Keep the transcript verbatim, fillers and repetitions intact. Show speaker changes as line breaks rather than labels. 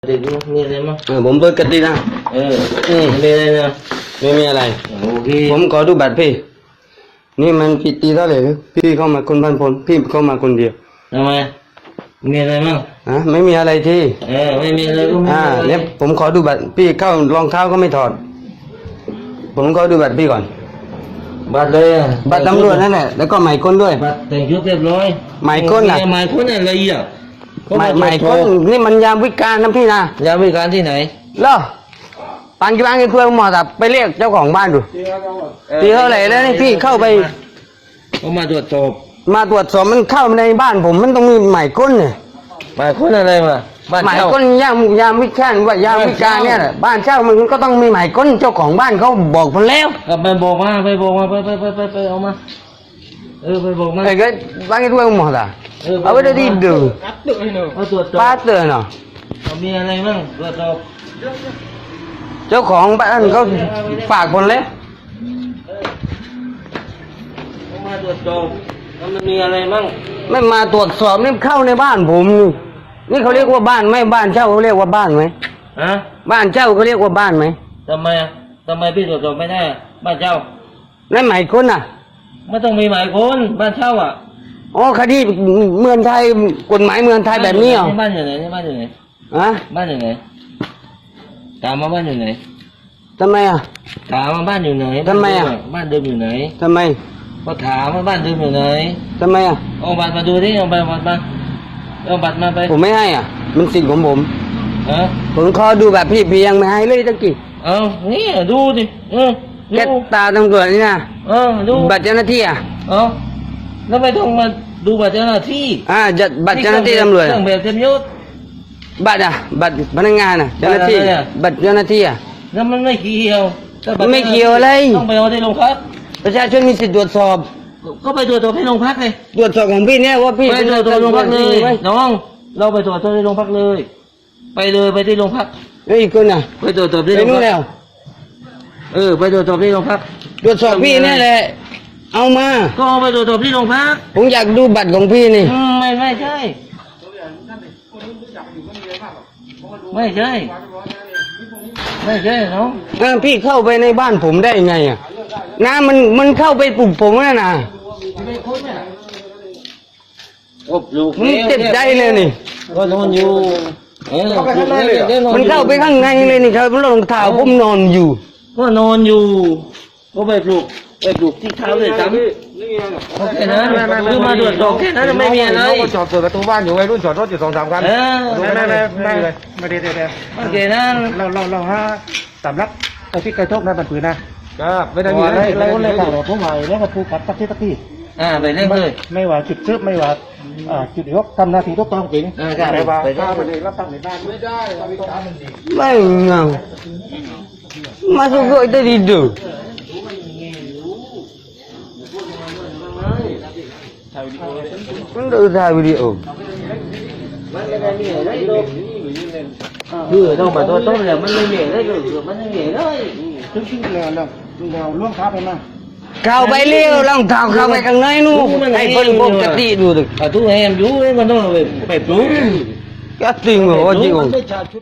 ติดมีอะไรมั้ง
เออผมเปิดกตินะ
เอออืมมีอะไรนะ
ไม่มีอะไร
โอเค
ผมขอดูบัตรพี่นี่มันผิดตีเท่าไหร่พี่เข้ามาคนพันพลพี่เข้ามาคนเดียว
ทำไมมีอะไรมั้ง
อ่ะไม่มีอะไรที่
เออไม่มีอะไรก็ไม่
อ่าเนี่ยผมขอดูบัตรพี่เข้ารองเท้าก็ไม่ถอดผมขอดูบัตรพี่ก่อน
บัตรเลยอ่ะ
บัตรตำรวจนั่นแหละแล้วก็หมายค้นด้วย
บัตรแต่งชุดเรียบร้อย
หมายค้นอ่ะ
หมายค้นอะไรอ่ะ
หมายหมายค้นนี่มันยามวิกาลนะพี่นะ
ยามวิการที่ไหน
เหรอปังกี่บ้านกี่เครื่องหมอสับไปเรียกเจ้าของบ้านดูตีเท่าไหร่แล้วนี่พี่เข้าไป
เขามาตรวจสอบ
มาตรวจสอบมันเข้าในบ้านผมมันต้องมีหมายค้นเนี่ย
หมายค้นอะไรมา
หมายค้นยามยามวิกาลว่ายามวิกาลเนี่ยแหละบ้านเช่ามันก็ต้องมีหมายค้นเจ้าของบ้านเขาบอกผมแล้ว
ไปบอกมาไปบอกมาไปไปไปไปไปเอามาเออไปบอกมา
ไอ้ก็บ้านกี่ตัวหมอสับเอาไปได้ดีดู
เอาตรวจสอบ
ป้าเตือนเนาะ
มีอะไรบ้างตรวจสอบ
เจ้าของบ้านเขาฝากคนแล้ว
มาตรวจสอบมันมีอะไรบ้าง
ไม่มาตรวจสอบนี่เข้าในบ้านผมนี่นี่เขาเรียกว่าบ้านไหมบ้านเช่าเขาเรียกว่าบ้านไหม
ฮะ
บ้านเช่าเขาเรียกว่าบ้านไหม
ทำไมทำไมพี่ตรวจสอบไม่ได้บ้านเช่า
นั่นหมายค้นอ่ะ
ไม่ต้องมีหมายค้นบ้านเช่าอ่ะ
อ๋อคดีเมืองไทยกฎหมายเมืองไทยแบบนี้เหรอ
บ้านอยู่ไหนบ้านอยู่ไหน
ฮะ
บ้านอยู่ไหนถามมาบ้านอยู่ไหน
ทำไมอ่ะ
ถามมาบ้านอยู่ไหน
ทำไมอ่ะ
บ้านเดิมอยู่ไหน
ทำไม
ก็ถามว่าบ้านเดิมอยู่ไหน
ทำไมอ่ะ
เอาบัตรมาดูดิเอาบัตรมาเอาบัตรมาไป
ผมไม่ให้อ่ะมันสิทธิ์ของผม
เออ
ผมขอดูแบบพี่พี่ยังไม่ให้เลยตะกี้
เอานี่ดูดิเออ
แค่ตาตำรวจนี่นะ
เออดู
บัตรเจ้าหน้าที่อ่ะ
เออแล้วไม่ต้องมาดูบัตรเจ้าหน้าที่
อ่าจะบัตรเจ้าหน้าที่ตำรวจ
เครื่องแบบเต็มยศ
บัตรอ่ะบัตรพนักงานอ่ะเจ้าหน้าที่บัตรเจ้าหน้าที่อ่ะ
แล้วมันไม่เกี่ยว
ไม่เกี่ยวอะไร
ต้องไปเอาที่โรงพัก
ประชาชนมีสิทธิ์ตรวจสอบ
ก็ไปตรวจสอบที่โรงพักเลย
ตรวจสอบของพี่เนี่ยว่าพี่
ไปตรวจสอบโรงพักเลยน้องเราไปตรวจสอบที่โรงพักเลยไปเลยไปที่โรงพัก
เฮ้ยคนน่ะ
ไปตรวจสอบที่โรงพักแล้วเออไปตรวจสอบที่โรงพัก
ตรวจสอบพี่นี่แหละเอามา
ก็ไปตรวจสอบที่โรงพัก
ผมอยากดูบัตรของพี่นี่
ไม่ไม่ใช่ไม่ใช่ไม่ใช่น้อง
พี่เข้าไปในบ้านผมได้ไงอ่ะน้ำมันมันเข้าไปปลุกผมแล้วนะมันเจ็บใจเลยนี่
ก็นอนอยู่
มันเข้าไปข้างในเลยนี่ครับรองเท้าผมนอนอยู่
ก็นอนอยู่ก็ไปปลุกไปปลุกที่เท้าเลยจ้ำโอเคนะคือมาตรวจสอบแค่นั้นไม่มีอะไร
จอดเปิดประตูบ้านอยู่ไว้รุ่นจอดรถอยู่สองสามคัน
ไม่
ไม่ไม่ไม่ไม่ไม่ได้แต่
โอเคนะ
เราเราเราฮะสำลักไอ้ที่กระทบนั้นมันปืนนะครับไม่ได้มีอะไรเราเลยข่าวเราผู้ใหม่แล้วก็ผู้กัดตักที่ตักที่
อ่าไปเรื่อย
ไม่ว่าจุดซึบไม่ว่าอ่าจุดยกทำหน้าที่ทุกต้องจริง
ไม่
ว่าข้าวไปเลยรับตังในบ้านไม่ได้
ไม่เงามาสุกได้ดีดูมันดูถ่ายวิดีโอ
คือต้องมาตัวต้นแล้วมันไม่เหนื่อยได้เลยมันไม่เหนื่อยเลย
ถึงที่แล้วแล้วเราล่วงค้าไปมา
เข้าไปเลี้ยวรองเท้าเข้าไปข้างในนู่นให้เพิ่นปกติดูดิ
อ่ะทุกแห่งอยู่มันต้องไปปลุก
ก็จริงเหรอจริง